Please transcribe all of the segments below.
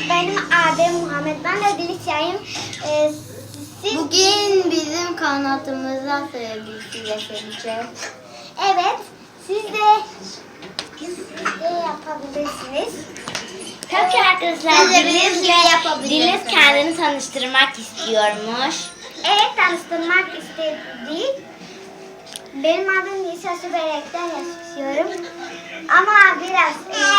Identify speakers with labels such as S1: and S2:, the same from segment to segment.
S1: benim adım Muhammed. Ben de Dilisya'yım.
S2: Bugün bizim kanatımıza sevgisiyle seveceğiz.
S1: Evet, siz de yapabilirsiniz.
S3: Tabii ki arkadaşlar
S2: Siz de bizim gibi yapabilirsiniz.
S3: Deniz kendini tanıştırmak istiyormuş.
S1: Evet, tanıştırmak istedik. Benim adım Nisa Süberek'ten yaşıyorum. Ama biraz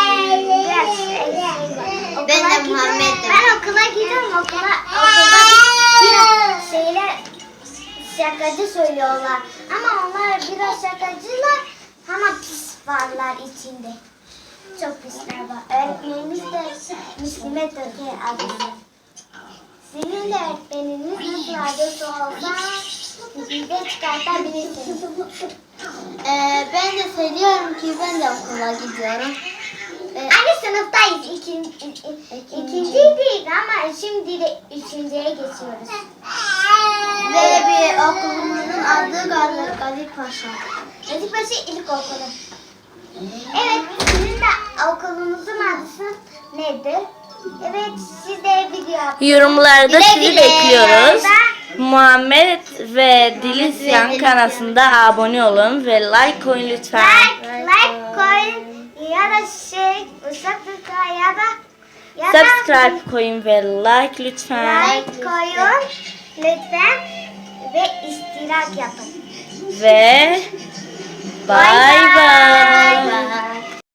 S2: Ben de
S1: okula gidiyorum.
S2: Muhammed'im.
S1: Ben okula gidiyorum. Okulda biraz şeyler şakacı söylüyorlar. Ama onlar biraz şakacılar ama pis varlar içinde. Çok pisler var. Öğretmenimiz de Müslüme Türkiye adresi. Sizin de öğretmeniniz nasıl adresi olsa bize çıkartabilirsiniz.
S2: Ben de söylüyorum ki ben de okula gidiyorum.
S1: Aynı sınıftayız. İkinciydik ama şimdi de üçüncüye geçiyoruz.
S2: Ve bir okulumuzun adı Gazi Paşa.
S1: Gazi Paşa İlkokulu. Evet, sizin de okulunuzun adı nedir? Evet, siz de video
S3: Yorumlarda
S2: Güle
S3: sizi
S2: güle.
S3: bekliyoruz. Muhammed ve Dilisyan kanalına abone olun ve like koyun lütfen.
S1: like koyun ya da ıslıkla ya da
S3: Subscribe koyun ve like lütfen.
S1: like koyun lütfen ve iştirak yapın.
S3: Ve bye bye.
S2: Bye.